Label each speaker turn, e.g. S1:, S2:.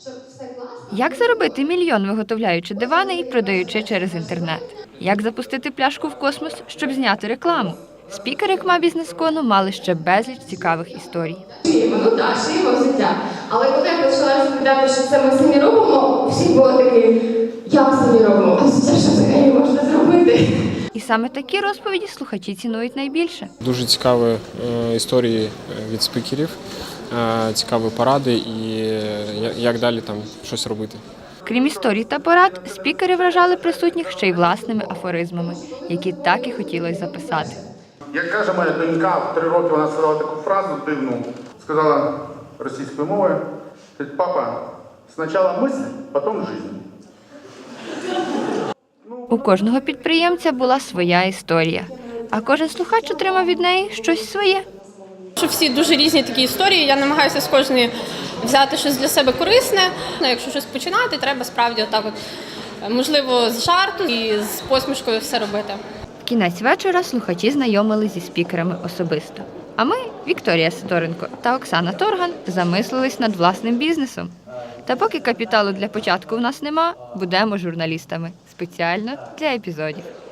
S1: Як заробити мільйон, виготовляючи дивани і продаючи через інтернет? Як запустити пляшку в космос, щоб зняти рекламу? Спікери КМА бізнес-кону мали ще безліч цікавих історій.
S2: Ну так, шиємо взуття. Але коли я почала розповідати, що це ми самі робимо, всі були такі, як самі робимо, а взуття що взагалі можна зробити?
S1: І саме такі розповіді слухачі цінують найбільше.
S3: Дуже цікаві історії від спікерів, цікаві поради і як далі там щось робити.
S1: Крім історій та порад, спікери вражали присутніх ще й власними афоризмами, які так і хотілося записати.
S4: Як каже моя донька, в 3 роки вона сказала таку фразу дивну, сказала російською мовою, папа, спочатку мисль, потім життя.
S1: У кожного підприємця була своя історія, а кожен слухач отримав від неї щось своє.
S5: Що всі дуже різні такі історії, я намагаюся з кожної взяти щось для себе корисне. Якщо щось починати, треба справді отак от, можливо, з жарту і з посмішкою все робити.
S1: В кінець вечора слухачі знайомились зі спікерами особисто. А ми, Вікторія Сидоренко та Оксана Торган, замислились над власним бізнесом. Та поки капіталу для початку в нас нема, будемо журналістами. Спеціально для епізодів.